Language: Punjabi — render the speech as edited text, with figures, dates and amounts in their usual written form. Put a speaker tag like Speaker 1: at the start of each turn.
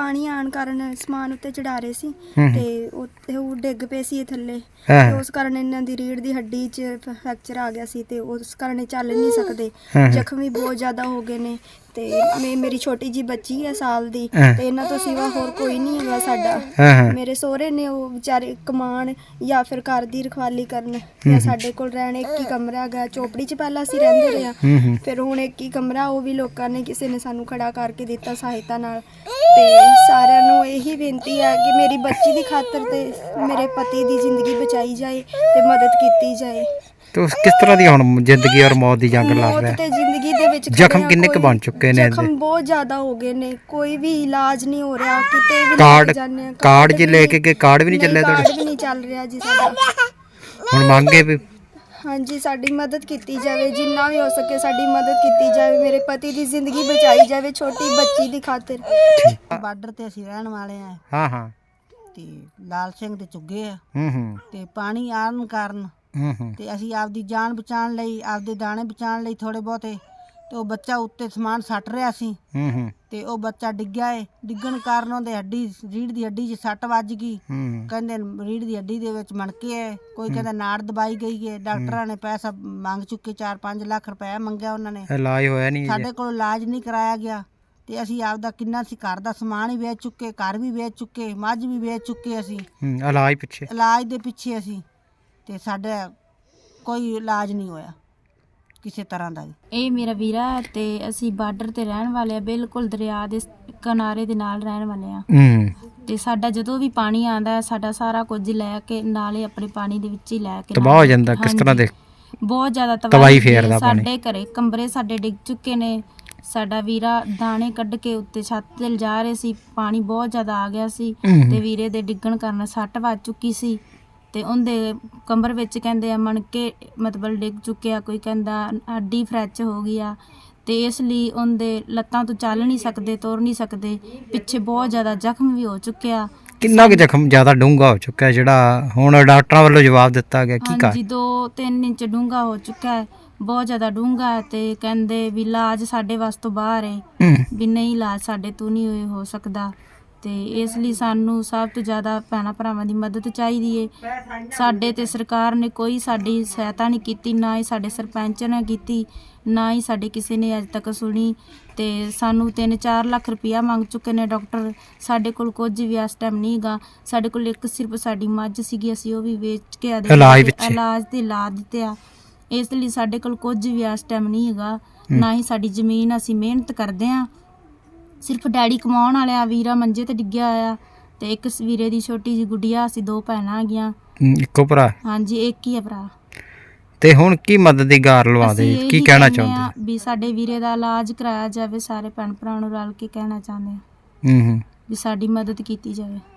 Speaker 1: ਪਾਣੀ ਆਉਣ ਕਾਰਨ ਸਮਾਨ ਉੱਤੇ ਚੜਾ ਰਹੇ ਸੀ ਤੇ ਉਹ ਡਿੱਗ ਪਏ ਸੀ ਥੱਲੇ ਤੇ ਉਸ ਕਾਰਨ ਇਹਨਾਂ ਦੀ ਰੀੜ੍ਹ ਦੀ ਹੱਡੀ 'ਚ ਫ੍ਰੈਕਚਰ ਆ ਗਿਆ ਸੀ ਤੇ ਉਸ ਕਾਰਨ ਇਹ ਚੱਲ ਨਹੀਂ ਸਕਦੇ। ਜ਼ਖਮ ਵੀ ਬਹੁਤ ਜ਼ਿਆਦਾ ਹੋ ਗਏ ਨੇ ਤੇ ਮੇਰੀ ਛੋਟੀ ਜੀ ਬੱਚੀ ਹੈ ਸਾਲ ਦੀ ਤੇ ਇਹਨਾਂ ਤੋਂ ਸਿਵਾ ਹੋਰ ਕੋਈ ਨਹੀਂ ਹੈਗਾ ਸਾਡਾ। ਮੇਰੇ ਸਹੁਰੇ ਨੇ ਉਹ ਵਿਚਾਰੇ ਕਮਾਣ ਜਾਂ ਫਿਰ ਘਰ ਦੀ ਰਖਵਾਲੀ ਕਰਨ ਜਾਂ ਸਾਡੇ ਕੋਲ ਰਹਿਣ। ਇੱਕ ਹੀ ਕਮਰਾ ਹੈਗਾ, ਝੋਪੜੀ 'ਚ ਪਹਿਲਾਂ ਅਸੀਂ ਰਹਿੰਦੇ ਰਹੇ ਹਾਂ, ਫਿਰ ਹੁਣ ਇੱਕ ਹੀ ਕਮਰਾ, ਉਹ ਵੀ ਲੋਕਾਂ ਨੇ ਕਿਸੇ ਨੇ ਸਾਨੂੰ ਖੜਾ ਕਰਕੇ ਦਿੱਤਾ ਸਹਾਇਤਾ ਨਾਲ। ਤੇ ਸਾਰਿਆਂ ਨੂੰ ਇਹੀ ਬੇਨਤੀ ਹੈ ਕਿ ਮੇਰੀ ਬੱਚੀ ਦੀ ਖਾਤਰ ਤੇ ਮੇਰੇ ਪਤੀ ਦੀ ਜ਼ਿੰਦਗੀ ਬਚਾਈ ਜਾਏ ਤੇ ਮਦਦ ਕੀਤੀ ਜਾਏ।
Speaker 2: तो किस तरह दी हुण जिंदगी और मौत दी जंग लड़ रहा है?
Speaker 1: जिंदगी दे विच
Speaker 2: जख्म किन्ने क बन चुके ने?
Speaker 1: जख्म बहुत ज्यादा हो गए ने, कोई भी इलाज नहीं हो रहा। किते भी
Speaker 2: कार्ड
Speaker 1: जाने
Speaker 2: कार्ड जी लेके के कार्ड भी नहीं चले
Speaker 1: कार्ड भी नहीं चल रहा जी साडा।
Speaker 2: हुण मांगे भी
Speaker 1: हाँ जी साडी मदद की जाए, जिन्ना भी हो सके साडी मदद की जाए, मेरे पति की जिंदगी बचाई जाए छोटी बच्ची की खातिर।
Speaker 3: ਬਾਰਡਰ ਤੇ ਅਸੀਂ ਰਹਿਣ ਵਾਲੇ ਆ।
Speaker 2: हाँ हाँ
Speaker 3: ਤੇ ਲਾਲ ਸਿੰਘ ਦੇ ਚੁੱਗੇ ਆ ਤੇ ਪਾਣੀ ਆਉਣ ਕਾਰਨ ਤੇ ਅਸੀਂ ਆਪਦੀ ਜਾਨ ਬਚਾਉਣ ਲਈ, ਆਪਦੇ ਦਾਣੇ ਬਚਾਉਣ ਲਈ ਥੋੜੇ ਬਹੁਤੇ, ਤੇ ਉਹ ਬੱਚਾ ਉੱਤੇ ਸਮਾਨ ਸੱਟ ਰਿਹਾ ਸੀ ਤੇ ਉਹ ਬੱਚਾ ਡਿੱਗਿਆ ਏ। ਡਿੱਗਣ ਕਾਰਨ ਉਹਦੇ ਰੀੜ੍ਹ ਦੀ ਹੱਡੀ 'ਚ ਸੱਟ ਵੱਜ ਗਈ। ਕਹਿੰਦੇ ਰੀੜ੍ਹ ਦੀ ਹੱਡੀ ਦੇ ਵਿੱਚ ਮਣਕੇ ਹੈ, ਕੋਈ ਕਹਿੰਦਾ ਨਾੜ ਦਬਾਈ ਗਈ ਹੈ। ਡਾਕਟਰਾਂ ਨੇ ਪੈਸਾ ਮੰਗ ਚੁੱਕੇ, 4-5 ਲੱਖ ਰੁਪਏ ਮੰਗਿਆ ਉਹਨਾਂ ਨੇ,
Speaker 2: इलाज होया नहीं।
Speaker 3: ਸਾਡੇ ਕੋਲ ਇਲਾਜ ਨਹੀਂ ਕਰਾਇਆ ਗਿਆ ਤੇ ਅਸੀਂ ਆਪਦਾ ਕਿੰਨਾ ਸੀ ਘਰ ਦਾ ਸਮਾਨ ਹੀ ਵੇਚ ਚੁੱਕੇ, ਘਰ ਵੀ ਵੇਚ ਚੁੱਕੇ, ਮੱਝ ਵੀ ਵੇਚ ਚੁੱਕੇ ਅਸੀਂ
Speaker 2: इलाज पिछे
Speaker 3: ਇਲਾਜ ਦੇ ਪਿੱਛੇ ਅਸੀਂ। ਤੇ ਸਾਡਾ ਕੋਈ ਇਲਾਜ ਨਹੀਂ ਹੋਇਆ ਕਿਸੇ ਤਰ੍ਹਾਂ ਦਾ।
Speaker 4: ਇਹ ਮੇਰਾ ਵੀਰਾ ਤੇ ਅਸੀਂ ਬਾਰਡਰ ਤੇ ਰਹਿਣ ਵਾਲੇ ਆ, ਬਿਲਕੁਲ ਦਰਿਆ ਦੇ ਕਿਨਾਰੇ ਦੇ ਨਾਲ ਰਹਿਣ ਵਾਲੇ ਆ। ਤੇ ਸਾਡਾ ਜਦੋਂ ਵੀ ਪਾਣੀ ਆਂਦਾ ਸਾਡਾ ਸਾਰਾ ਕੁਝ ਲੈ ਕੇ ਨਾਲੇ ਆਪਣੇ ਪਾਣੀ ਦੇ ਵਿੱਚ ਹੀ ਲੈ ਕੇ
Speaker 2: ਤਬਾਹ ਹੋ ਜਾਂਦਾ। ਕਿਸ ਤਰ੍ਹਾਂ ਦੇ
Speaker 4: ਬਹੁਤ ਜ਼ਿਆਦਾ
Speaker 2: ਤਬਾਹੀ ਫੇਰਦਾ ਪਾਣੀ।
Speaker 4: ਸਾਡੇ ਘਰੇ ਕਮਰੇ ਸਾਡੇ ਡਿੱਗ ਚੁੱਕੇ ਨੇ। ਸਾਡਾ ਵੀਰਾ ਦਾਣੇ ਕੱਢ ਕੇ ਉੱਤੇ ਛੱਤ ਤੇ ਲਿਜਾ ਰਹੇ ਸੀ, ਪਾਣੀ ਬਹੁਤ ਜ਼ਿਆਦਾ ਆ ਗਿਆ ਸੀ ਤੇ ਵੀਰੇ ਦੇ ਡਿੱਗਣ ਕਾਰਨ ਸੱਟ ਵੱਜ ਚੁੱਕੀ ਸੀ ਤੇ ਉਹਦੇ ਕਮਰ ਵਿੱਚ ਕਹਿੰਦੇ ਆ ਮਣਕੇ ਮਤਲਬ ਡਿੱਗ ਚੁੱਕੇ ਆ, ਕੋਈ ਕਹਿੰਦਾ ਹੱਡੀ ਫ੍ਰੈਕਚਰ ਹੋ ਗਈ ਆ ਤੇ ਇਸ ਲਈ ਉਹਦੇ ਲੱਤਾਂ ਤੋਂ ਚੱਲ ਨਹੀਂ ਸਕਦੇ, ਤੁਰ ਨਹੀਂ ਸਕਦੇ। ਪਿੱਛੇ ਬਹੁਤ ਜ਼ਿਆਦਾ ਜ਼ਖਮ ਵੀ ਹੋ ਚੁੱਕਿਆ।
Speaker 2: ਕਿੰਨਾ ਕੁ ਜ਼ਖਮ ਜ਼ਿਆਦਾ ਡੂੰਘਾ ਹੋ ਚੁੱਕਾ ਜਿਹੜਾ ਹੁਣ ਡਾਕਟਰਾਂ ਵੱਲੋਂ ਜਵਾਬ ਦਿੱਤਾ ਗਿਆ? ਕੀ
Speaker 4: ਹਾਂਜੀ 2-3 ਇੰਚ ਡੂੰਘਾ ਹੋ ਚੁੱਕਾ ਹੈ, ਬਹੁਤ ਜ਼ਿਆਦਾ ਡੂੰਘਾ ਹੈ ਤੇ ਕਹਿੰਦੇ ਵੀ ਇਲਾਜ ਸਾਡੇ ਵੱਸ ਤੋਂ ਬਾਹਰ ਹੈ, ਵੀ ਨਹੀਂ ਇਲਾਜ ਸਾਡੇ ਤੋਂ ਨਹੀਂ ਹੋ ਸਕਦਾ। ਤੇ ਇਸ ਲਈ ਸਾਨੂੰ ਸਭ ਤੋਂ ਜ਼ਿਆਦਾ ਭੈਣਾਂ ਭਰਾਵਾਂ ਦੀ ਮਦਦ ਚਾਹੀਦੀ ਏ। ਸਾਡੇ ਤੇ ਸਰਕਾਰ ਨੇ ਕੋਈ ਸਾਡੀ ਸਹਾਇਤਾ ਨਹੀਂ ਕੀਤੀ, ਨਾ ਹੀ ਸਾਡੇ ਸਰਪੰਚ ਨੇ ਕੀਤੀ, ਨਾ ਹੀ ਸਾਡੇ ਕਿਸੇ ਨੇ ਅੱਜ ਤੱਕ ਸੁਣੀ। ਤੇ ਸਾਨੂੰ 3-4 ਲੱਖ ਰੁਪਇਆ ਮੰਗ ਚੁੱਕੇ ਨੇ ਡਾਕਟਰ। ਸਾਡੇ ਕੋਲ ਕੁਝ ਵੀ ਇਸ ਟਾਈਮ ਨਹੀਂ ਹੈਗਾ। ਸਾਡੇ ਕੋਲ ਇੱਕ ਸਿਰਫ ਸਾਡੀ ਮੱਝ ਸੀਗੀ, ਅਸੀਂ ਉਹ ਵੀ ਵੇਚ ਕੇ ਇਲਾਜ ਤੇ ਲਾ ਦਿੱਤੇ ਆ। ਇਸ ਲਈ ਸਾਡੇ ਕੋਲ ਕੁਝ ਵੀ ਇਸ ਟਾਈਮ ਨਹੀਂ ਹੈਗਾ, ਨਾ ਹੀ ਸਾਡੀ ਜ਼ਮੀਨ। ਅਸੀਂ ਮਿਹਨਤ ਕਰਦੇ ਹਾਂ, ਸਿਰਫ ਡੈਡੀ ਕਮਾਉਣ ਵਾਲੇ ਆ, ਵੀਰਾ ਮੰਜੇ ਤੇ ਡਿੱਗਿਆ ਹੋਇਆ ਤੇ ਇੱਕ ਵੀਰੇ ਦੀ ਛੋਟੀ ਜਿਹੀ ਗੁੱਡੀਆ। ਅਸੀਂ 2 ਭੈਣਾਂ ਹੈਗੀਆਂ।
Speaker 2: ਇੱਕੋ ਭਰਾ?
Speaker 4: ਹਾਂਜੀ ਇੱਕ ਹੀ ਹੈ ਭਰਾ।
Speaker 2: ਤੇ ਹੁਣ ਕੀ ਮਦਦ ਦੀ ਗਾਰ ਲਵਾ ਦੇ, ਕੀ ਕਹਿਣਾ ਚਾਹੁੰਦੇ?
Speaker 4: ਵੀ ਸਾਡੇ ਵੀਰੇ ਦਾ ਇਲਾਜ ਕਰਾਇਆ ਜਾਵੇ, ਸਾਰੇ ਭੈਣ ਭਰਾ ਨੂੰ ਰਲ ਕੇ ਕਹਿਣਾ ਚਾਹੁੰਦੇ ਆ ਵੀ ਸਾਡੀ ਮਦਦ ਕੀਤੀ ਜਾਵੇ।